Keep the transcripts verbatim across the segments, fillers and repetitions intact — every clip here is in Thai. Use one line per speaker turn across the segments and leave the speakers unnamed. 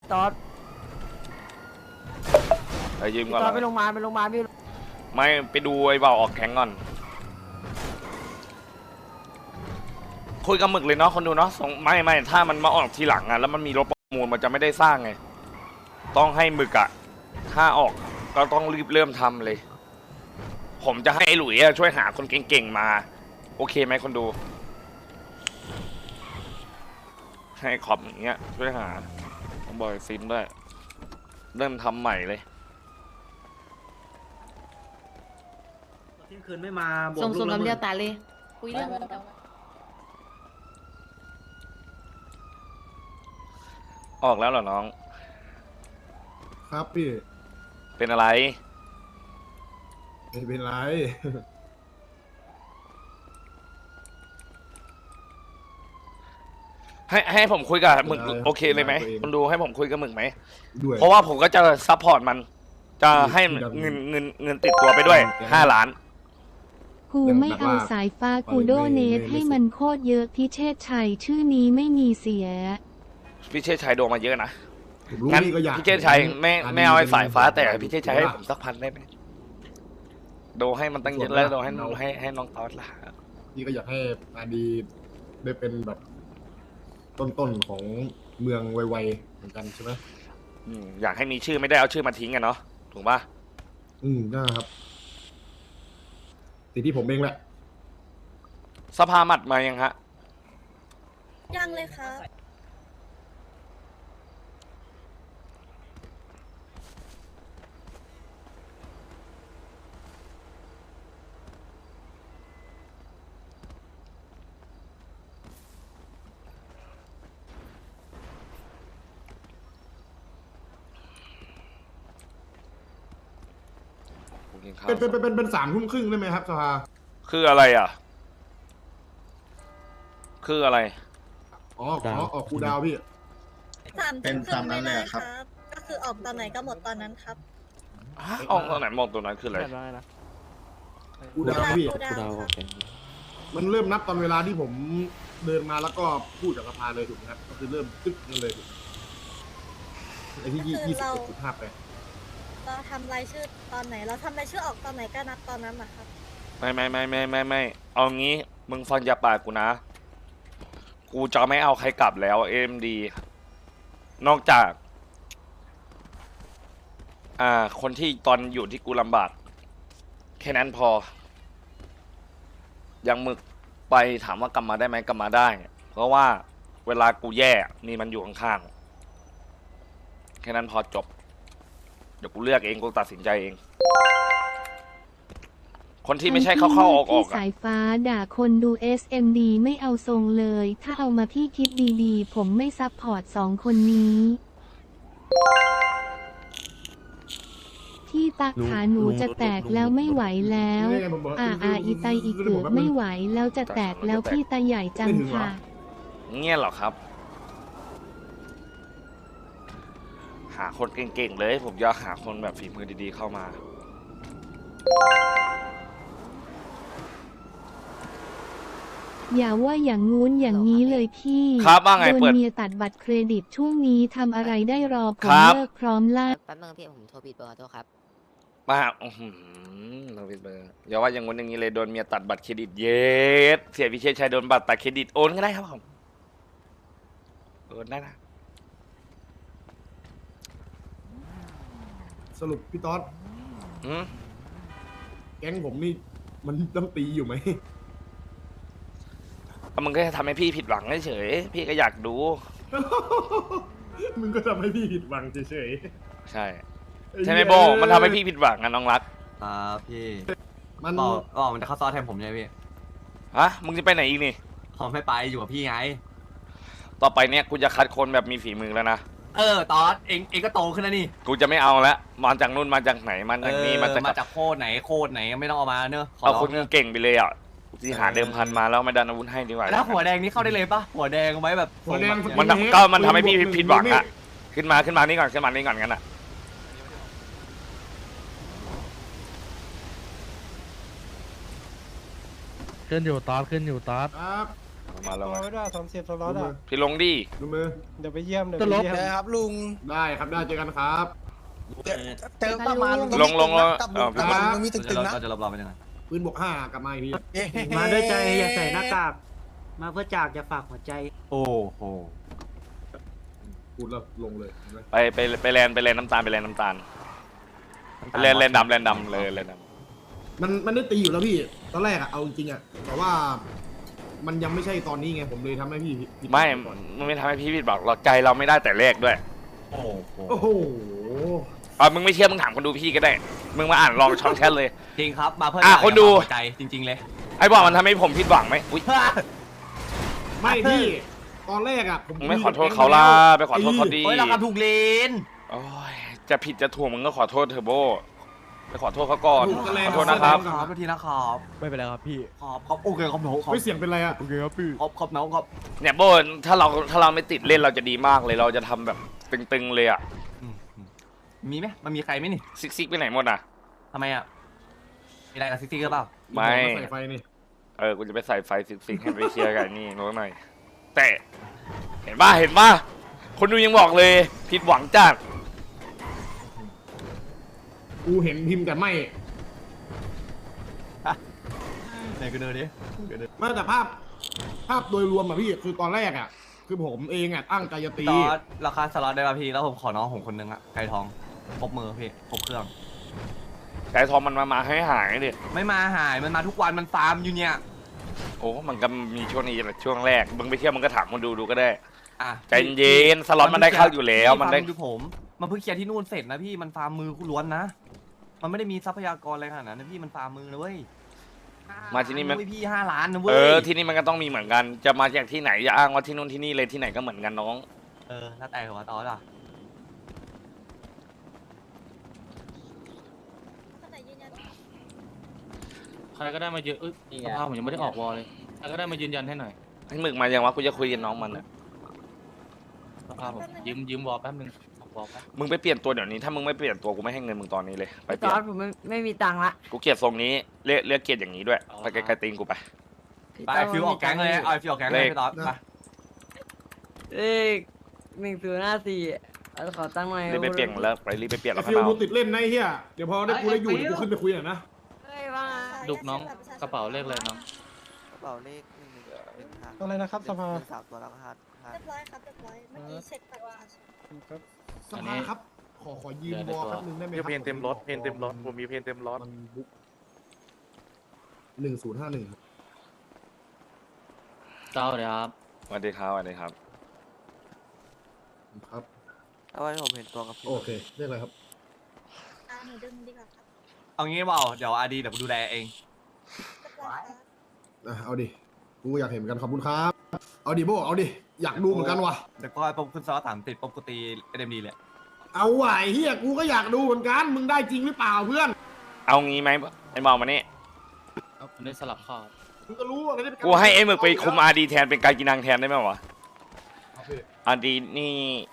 ตอด
ไปยืม
พี่
ก่อน
ตอด
เหร
ไป
อ
โรงพยาบาลไปโรงพยาบาลพี่
ไม่ไปดูไอ้เบาออกแข็งก่อนคุยกับหมึกเลยเนาะคนดูเนาะส่งไม่ไม่ถ้ามันมาออกทีหลังอะแล้วมันมีรถประมูลมันจะไม่ได้สร้างไงต้องให้หมึกอะถ้าออกก็ต้องรีบเริ่มทำเลย ผมจะให้ไอ้หลุยอะช่วยหาคนเก่งๆมาโอเคไหมคนดูให้ขอบอย่างเงี้ยช่วยหาต้องบอกซิมด้วยเริ่มทำใหม่เลย
เที่ยงคืนไม่มาบวก
ส่ง
ลู
ส่ง
กละ
น้ำ
ห
เดี
มื่
ยวน ตาเลยคุยเรื่อง
ออกแล้วเหรอน้อง
ครับพี่
เป็นอะไร
ไม่เป็นไร
ให้ให้ผมคุยกับหมึก
ได้
โอเคเลยไหม
ได้ตัวเอง
คนดูให้ผมคุยกับหมึกไหม
ด้วย
เพราะว่าผมก็จะซัพพอร์ตมัน จะให้
ที่ดำ
เงินเงินเงินติดตัวไปด้วย
แก
ห้าล้าน
กูไม่เอาสายฟ้ากูโดเนทให้มันโคตรเยอะพิเชษชัยชื่อนี้ไม่มีเสีย
พี่เชษชัยโดนมาเยอะนะ
ผมรู้
งั้น
พี่ก็อยาก
พี่เชษชัยไม่
อันนี้
ไม่เอาไอ้สายฟ้าแต่
เป็น
พี่เชษชัยให้ผมสักพันได้ไหมโดนให้มันตั้งเยอะแล้วโดนให้ให้ให้น้องตอสละ
พี่ก็อยากให้อาดีได้เป็นแบบ ต้นๆของเมืองไวๆเหมือนกันใช่ไหม
อืมอยากให้มีชื่อไม่ได้เอาชื่อมาทิ้งกันเนาะถูกปะ
อืมนะครับสิ่งที่ผมเองแหละ
สภาหมัดมายังฮะ
ยังเลยครับ
ผมกินข้าว
เป็นเป็นเป็นเป็นเป็นสามทุ่มครึ่งได้ไหมครับสภา
คืออะไรอ่ะ คืออะไร
อ๋อขอออกคูลดาวน์พี่
สาม
เป็น
ทุ่มครึ่ง
ตามนั้
ไม่
นเลย
ได้
อะ
ค
ครั
รับ บ ก็คือออกตอนไหนก็หมดตอนนั้นครับ
ฮะออกตอนไหนมองตัวนั้นคืออะไร
แบบนั้นนะ
คูลดาวน์พี่
คูลดาวน์ครับ
มันเริ่มนับตอนเวลาที่ผมเดินมาแล้วก็พูดกับสภาเลยถูกไหมครับ ก็คือเริ่มตึ๊กนั่นเลยถูกไหมไอ้ที่ยี่ยี่สิบเอ็ดจุดห้าแปด
เราทำรายชื่อตอนไหน เราทำรายชื่อออกตอนไหนก็นับตอนนั้นนะครับ
ไม่ไม่ไม่ไม่ไม่ไม่เอางี้มึงฟังจากปากกูนะ กูจะไม่เอาใครกลับแล้วเอ็มดีนอกจาก อ่า คนที่ตอนอยู่ที่กูลำบากแค่นั้นพอ ยังมึกไปถามว่ากลับมาได้ไหมกลับมาได้ เพราะว่าเวลากูแย่นี่มันอยู่ข้างๆแค่นั้นพอจบ เดี๋ยวกูเลือกเองกูตัดสินใจเอง คนที่ไม่ใช่เข้าเข้าออกออก
ที่
อะ
สายฟ้าด่าคนดู เอส เอ็ม ดี ไม่เอาทรงเลย ถ้าเอามาพี่คิดดีๆ ผมไม่ซัพพอร์ตสองคนนี้ ที่ตักขาหนูจะแตกแล้วไม่ไหวแล้ว
นี่ไงผมบอก
อ่าอ่าอีไตอีเกือบไม่ไหวแล้วจะแตกแล้วพี่ตาใหญ่จังค่ะ
เงี้ยเหรอครับ หาคนเก่งๆเลย ผมอยากหาคนแบบฝีมือดีๆเข้ามา
อย่าว่าอย่างงู้นอย่างนี้เลยพี่
ครับว่าไง
โดน
เปิด
เมียตัดบัตรเครดิตช่วงนี้ทำอะไรได้รอผ
ค
ม
รับ
เลิกพร้อมล่า
แป๊บนึงพี่ผมโทรผิดเบอร์ขอโทษครับ
มาอื้อหือเราเป็นเบอร์อย่าว่าอย่างงู้นอย่างนี้เลยโดนเมียตัดบัตรเครดิตเย็ดเสียพิเชษชัยโดนบัตรตัดเครดิตโอนก็ได้ครับผมโอนได้นะ
สรุปพี่ต๊อด
อืม
แก๊งผมนี่มันต้องตีอยู่ไหม
ก็มึงก็จะทำให้พี่ผิดหวังเฉยๆพี่ก็อยากดู
มึงก็ทำให้พี่ผิดหวังเฉย
ใช่
ๆ
ใช่ไหมโบมันทำให้พี่ผิดหวังอะน้องรัก
ครับพี่
มัน
บอกบอกมันจะเข้าซอสแทนผมใช่ไหมพี่
ฮะมึงจะไปไหนอีกนี่
ผมไม่ไปอยู่กับพี่ไง
ต่อไปเนี่ยกูจะคัดคนแบบมีฝีมือแล้วนะ
เออตอสเองเองก็โตขึ้นแล้วนี่
กูจะไม่เอาละมาจากนู่นมาจากไหนมาจากนี่มาจาก
มาจากโคตรไหนโคตรไหนไม่ต้องเอามาเนอะขอ
เอา
ร้อง
คนเก่งไปเลยอ่ะที่หาเดิมพันมาแล้วไม่ดันอาวุธให้ดีกว่า
แล้วหัวแดงนี่เข้าได้เลยปะหัวแดงไว้แบบ
หัวแดง
ทรง
มัน
แบบ
ทำก็มันทำให้พี่ผิดหวังอ่ะขึ้นมาขึ้นมานี่ก่อนขึ้นมานี่ก่อนกันอ่ะ
ขึ้นอยู่ตอดขึ้นอยู่ตอด
ครับ
มาแล้ว
รอไม่ได้สามสิบสล็อตอ่ะ
พี่ลงดิ
ดูมือ
เดี๋ยวไปเยี่ยมเดี๋ยวไปเยี่ยม
นะครับลุง
ได้ครับได้เจอกันครับ
เจอประมาณ
ลงลงลง
กับ
เออ
ประมาณมันมี
เรา
ตึงๆนะ
เราจะรอบๆเป็นยังไง
ปืนบวกห้ากลับมาอีกที
มาด้วยใจอย่าใส่หน้ากากมาเพื่อจากอย่าฝากหัวใจ
โอ้โห
พูดแล้วลงเลยเห็นไหม
ไปไปไปแลนไปแลนน้ำตาลไปแลนน้ำตาลไปแลนแลนดำแลนดำเลยแลนดำ
มันมันได้ตีอยู่แล้วพี่ตอนแรกอะเอาจริงๆอะแต่ว่า มันยังไม่ใช่ตอนนี้ไงผมเลยทำให้พี่ผิด
ไม่มันไม่ทำให้พี่ผิดบอกเราใจเราไม่ได้แต่แรกด้วย
โอ้โห
โอ้โห
อ่ะมึงไม่เชื่อมึงถามคนดูพี่ก็ได้ มึงมาอ่านลองช่องแชทเลย
จริงครับมาเพื่อ
อ่ะ
จ่าย
คนดู
หัวใจจริง ๆ เลย
ไอ้บอกมันทำให้ผมผิดหวังไหมอุ้ย
ไม่พี่ตอนแรกอะผม
มึงไม่ขอโทษเขาล่ะไปขอโทษเขาดี
เฮ้ยเราทำถูกเลน
โอ้ยจะผิดจะถูกมึงก็ขอโทษเทอร์โบไปขอโทษเขาก่อน
ถูกกันเลย
ขอโทษนะครับ
ขอบทีนะครับ
ไม่เป็นไรครับพี่
ขอบขอบโอเคขอบหนูขอบ
ไม่เสียงเป็นไรอะ
โอเคครับพี่
ขอบขอบหนูขอบ
เนี่ยโบนถ้าเราถ้าเราไม่ติดเล่นเราจะดีมากเลยเราจะทำแบบตึงๆเลยอะ
อืมอืมมีไหมมันมีใครไหมนี่
ซิกซิกไปไหนหมดอ่ะ
ทำไมอ่ะมีอะไรกับซิกซี่ก็เปล่า
ไม่
ใส่ไฟนี่
เออกูจะไปใส่ไฟซิกซิกให้ไปเคลียร์กันนี่น้อยหน่อยแต่เห็นป่ะเห็นป่ะคนดูยังบอกเลยผิดหวังจัด
กูเห็นพิมพ์แต่ไม่
ไหนกูเดินดิกูเดิน
ไม่แต่ภาพ ภาพโดยรวมอะพี่คือตอนแรกอะคือผมเองอะตั้งใจจะตี
ตอนราคาสล็อตได้ป่ะพี่แล้วผมขอน้องผมคนนึงอ่ะไก่ทองครบมือพี่ครบเครื่อง
ไก่ทองมันมามาให้หายดิ
ไม่มาหายมันมาทุกวันมันฟาร์มอยู่เนี่ย
โอ้มันก็มีช่วงนี้แหละช่วงแรกมึงไปเที่ยวมึงก็ถามคนดูดูก็ได้
อ่ะ
ใจเย็นสล็อตมันได้เข้าอยู่แล้วมันได้
ฟาร์ดูผมมันเพิ่งเคลียร์ที่นู่นเสร็จนะพี่มันฟาร์มมือล้วนนะมันไม่ได้มีทรัพยากรอะไรขนาดนั้นนะพี่มันฟาร์มมือนะเว้ย
มาที่นี่มัน
เว้ยพี่ห้าล้านนะเว้ย
เออที่นี่มันก็ต้องมีเหมือนกันจะมาจากที่ไหนจะอ้างว่าที่นู่นที่นี่เลยที่ไหนก็เหมือนกันน้อง
เออแล้วแต่หัวตอนอ่ะ
คนไหนยืนยัน
ใครก็ได้มายืนเอ้ยสภาพผมยังไม่ได้ออกวอลเลยใครก็ได้มายืนยันให้หน่อย
ให้มึกมายังวะกูจะคุยกับน้องมันอะ
สภาพผมยืมยืมวอลแป๊บนึงออกวอลแป๊บ
มึงไปเปลี่ยนตัวเดี๋ยวนี้ถ้ามึงไม่เปลี่ยนตัวกูไม่ให้เงินมึงตอนนี้เลยไปเป
ต
ลี่ย
อน นผมไม่ไม่มีตังค์ละ
กูเกลียดทรงนี้เรียกเรียกเกลียดอย่างนี้ด้วยไปไกลๆตีนกูไป
ไปไอ้ฟิวออกแก๊งเลยเอาไอ้ฟิวออกแก๊งเลยพี่ต๊อดไป
เลขหนึ่งศูนย์ห้าสี่ขอตั้งหน่อย
รีบไปเปลี่ยนแล้วไปรีบไปเปลี่ยน
ไอ้
แล้ว
ฟิ
ข้าง
ล
นอ
กู
ก
ติดเล่นนะไอ้เฮียเดี๋ยวพอได้กูได้อยู่เดี๋ยวกูขึ้นไปคุยหน่อยนะ
เฮ้ยว่า
ดุกน้องกระเป๋าเลขเลยน้อง
กระเป๋าเลขหนึ่งหนึ่งหนึ่งห้า
อะไรนะครับสภา
สามตัวแล้วก็ห้าห้า
เรียบร้อยครับเรียบร้อยเมื่อกี้เช็คบัตรประชาชน
ครับ
สภาครับ ขอขอยืมบอลแป๊บนึงได้ไหมครับ
เพนเต็มรถเพนเต็มรถผมมีเพนเต็มรถ
มันบุ๊กหนึ่งศูนย์ห้าหนึ่ง
เจ้าเดี๋ยวครับ
สวัสดีครับสวัสดีครับ
ครับ
เอาไว้ผมเห็นตัวกับพี่
โอเคเรียกอะไรครับ
อ่าหนูดึงดีกว่าครับ
เอางี้เปล่าเดี๋ยวอาดีเดี๋ยวกูดูแลเอง
เรียบร้อยครับ
อ่ะเอาดิกูอยากเห็นเหมือนกันขอบคุณครับ เอาดิโบเอาดิอยากดูเหมือนกันว่ะ
เดี๋ยวก็ปุ๊บขึ้นซอสสามติดปุ๊บกูตีเอ็มดีเลย
เอาไหวเฮียกูก็อยากดูเหมือนกันมึงได้จริงหรือเปล่าเพื่อน
เอางี้ไหมไอ้มองมานี่
ผมได้สลับข้อ
มึงก็รู้ว่าอะไร
กูให้ไอ้หมึกไปคุมอาดีแทนเป็นการกินังแทนได้ไหมวะ
เอาพี่
อาดีนี่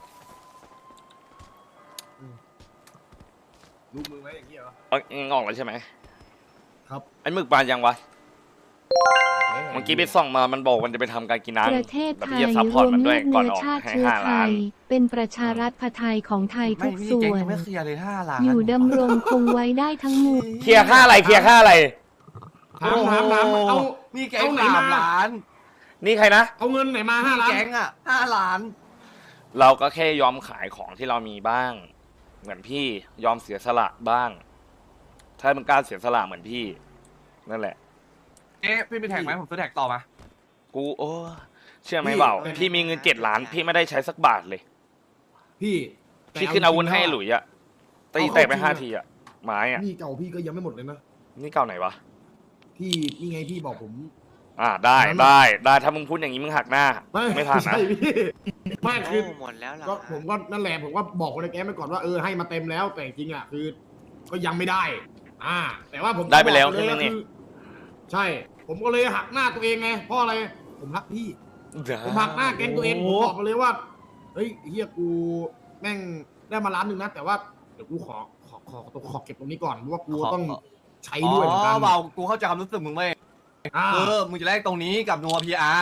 รู้มือไหมอย่างเงี้ยเหรอ
เอาเองออกแล้วใช่ไหม
ครับ
ไอ้หมึกบานยังวะเมื่อกี้ไปส่องมามันบอกมันจะไปทำการกินัง
ประเทศ
แบบ
ไทย
จะซัพพ
ร
อร์ต
วม
มันด้
เลื
วย
อด
ก่อน
เนื้อ
ออก
ชาติ
ให้
เชื้อ
ห้า
ไท
ล้าน
ย เป็นประชารัฐไทยของไทย
ไม่
ทุก
พี่
ส่
แก๊ง
วน
ยังไม่เคลียร์เลยห้าล้าน
อยู่ดำรงคงไว้ได้ทั้งหมด
เคลียร์ค่าอะไรเคลียร์ค่าอะไร
ถามถามถามเอา
นี่แก๊ง
เอาไหน
สาม
มา
ล้าน
นี่ใครนะ
เอาเงินไหนมาห้าล้าน
แก๊งอ่ะห้าล้าน
เราก็แค่ยอมขายของที่เรามีบ้าง เหมือนพี่ยอมเสียสละบ้าง ถ้ามึงกล้าเสียสละเหมือนพี่ นั่นแหละ
เอ๊ะพี่มีแท็กไหมผมซื้อแท็กต่อมา
กูโอ้เชื่อไหมเปล่าพี่มีเงินเจ็ดล้าน พี่ไม่ได้ใช้สักบาทเลย
พี่
พี่ขึ้นอาวุธให้หลุยอะตีแตกไปห้าทีอะไม้อะ
นี่เก่าพี่ก็ยังไม่หมดเลยนะ
นี่เก่าไหนวะ
พี่นี่ไงพี่บอกผม
อ่าได้ได้ได้ถ้ามึงพูดอย่างนี้มึงหักหน้า ไม่ผ่านนะ
ใช่พี่ไม่คือ
หมดแล้วล่ะ
ก็ผมก็นั่นแหละผมก็บอกคนในแก๊งไปก่อนว่าเออให้มาเต็มแล้วแต่จริงๆอ่ะคือ ก็ยังไม่ได้ อ่า แต่ว่าผม
ได้ไปแล้ว
บอก
ใช่ไหม
ก็
เนี่ย
คือใช่ ผมก็เลยหักหน้าตัวเองไงเพราะอะไรผมรักพี่ ผมหักหน้าแก๊งตัวเองผมบอกมาเลยว่าเฮ้ยเฮียกูแม่งได้มาล้านหนึ่งนะแต่ว่าเดี๋ยวกูขอขอขอขอขอเก็บตรงนี้ก่อนเพราะว่ากูต้องใช้
อ๋
ด้วยเหมือนกั
อน เบากูเข้าใจความรู้สึกมึงไหม
อ่า
เออมึงจะแลกตรงนี้กับนัวพีอาร์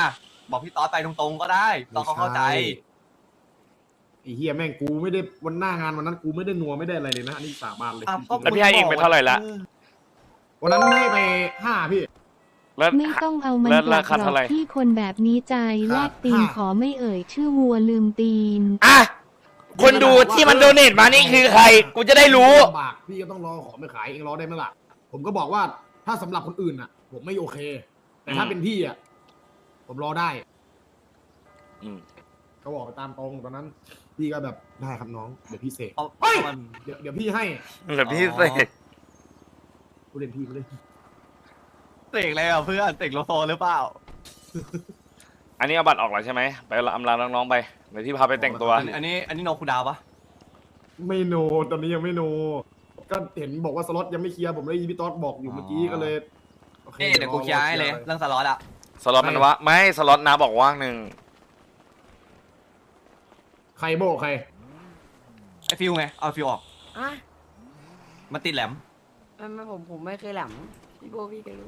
บอกพี่ต๊อดไปตรงๆก็ได้ต๊อดเขาเข้าใจ
ไอ้เฮียแม่งกูไม่ได้วันหน้างานวันนั้นกูไม่ได้นัวไม่ได้อะไรเลยนะอันนี้สาบานเลย
อ่ะ
จริงๆ
แล้วพี่ให้เองไปเท่าไหร่ละ
วันนั้นให้ไปห้าพี่
แล้ว
ไม่ต้องเอามัน
แล้ว
กลั
รา
บ
คา
หรอ
เท่าไหร่
กที่คนแบบนี้ใจแลกตีน
ค่ะ
ขอไม่เอ่ย ชื่อวัวลืมตีน
อ่ะคนดูที่มันโดเนทมานี่คือใคร กูจะได้รู้
ลำบากพี่ก็ต้องรอของไปขายเองรอได้ไหมล่ะผมก็บอกว่าถ้าสำหรับคนอื่นอ่ะ ผมไม่โอเค แต่ถ้า
อืม
เป็นพี่อ่ะผมรอได้
อืม
เขาบอกไปตามตรงตอนนั้น พี่ก็แบบได้ครับน้องเดี๋ยวพี่เสก
เอา
เฮ้ย
มัน
เดี๋ยวเดี๋ยวพี่ให้
เหลือพี่เสก
กูเล่นพี่กูเล่น
เสกอะไรอ่ะเพื่อนเสกโลโซหรือเปล่า
อันนี้เอาบัตรออกแล้วใช่ไหมไปอำลาน้องๆไปเดี๋ยวที่พาไปแต่งตัว
อันอันนี้อันนี้โนคูดาวปะ
ไม่โนตอนนี้ยังไม่โน ก็เห็นบอกว่าสล็อตยังไม่เคลียร์ผมเลยพี่ต๊อดบอกอยู่เมื่อกี้ก็เลยโอค
นี่เดี๋ยวกูเคลียร์ให้เลยเรื่องสล็อตอ่ะ
สล็อตมันวะไม่สล็อตนะบอกว่างหนึ่ง
ใครโบกใคร
ไอฟิวไงเอาฟิวออก
อ่ะ
มันติดแหลม
ไม่ไม่ผมผมไม่เคยแหลมพี่โบพี่ก็รู้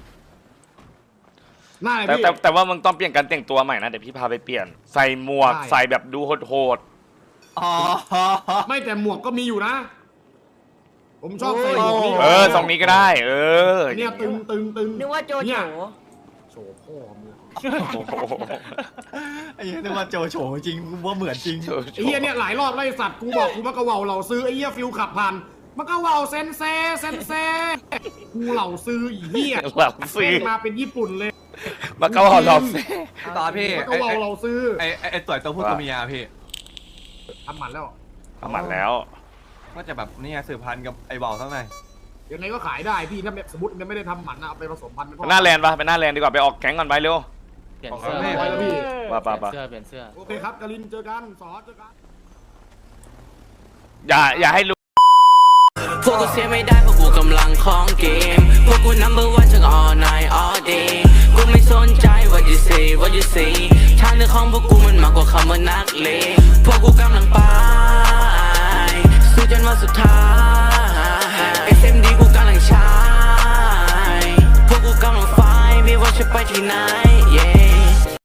หน้าไหน
แต่
พี่
แต่แต่ว่ามึงต้องเปลี่ยนการแต่งตัวใหม่นะเดี๋ยวพี่พาไปเปลี่ยนใส่หมวก
ได้
ใส่แบบดูโหด
อ๋อ
ไม่แต่หมวกก็มีอยู่นะ ผมชอบใส่หมวกนี่
ๆเออทรงนี้ก็ได้ เออ
เนี่ยตึงตึงตึง
นึกว่าโจ
เนี่
โฉ
ย โชว์พ่อมือ
โอ้โห
ไอ้เหี้ยนึกว่าโจโฉจริงกูว่าเหมือนจริง
ไอ้เหี้ยเนี่ยหลายรอบไล่สัตว์กูบอกกูมักกะเว่าเหล่าซื้อไอ้เหี้ยฟิวขับผ่านมักกะเว่าเซนเซเซนเซกูเหล่าซื้ออีเหี้ย
หลับซี
แม่งมาเป็นญี่ปุ่นเลย
มาเกาหลับซี
ตอนพี่
มักกะเว่าเหล่าซื้อ
ไอ้ไอ้ไอ้ตัวตัวผู้ตัวเมียพี่
ทำหมันแล้ว
ทำหมันแล้ว
ก็จะแบบนี่ไงสืบพันธุ์กับไอ้เบาทั้งใน
ยังไงก็ขายได้พี่ถ้าสมมติมันไม่ได้ทำหมันนะเอาไปผสมพันธุ์เป็นพ่อ
หน้าแลนด์ปะไปหน้าแลนด์ดีกว่าไปออกแก๊งก่อนไปเร็ว
เปลี่ยน
เอา
เสื้อ
ไว้แล้วพี่
ป่ะ
เปลี่
ป่ะ
ยน
ป่ะ
เสื้อเปลี่ยนเสื้อ
โอเคครับกาลินเจอกันสอเจอกัน
อย่าอย่าให้รู้
พวกกูเสียไม่ได้เพราะกูกำลังของเกมพวกกู number one ทั้ง all night all day กูไม่สนใจ what you say what you say ทางเดินของพวกกูมันมากกว่าคำว่านักเลงพวกกูกำลังไปสู้จนวันสุดท้าย เอส เอ็ม ดี กูกำลังใช้พวกกูกำลังไฟไม่ว่าจะไปที่ไหน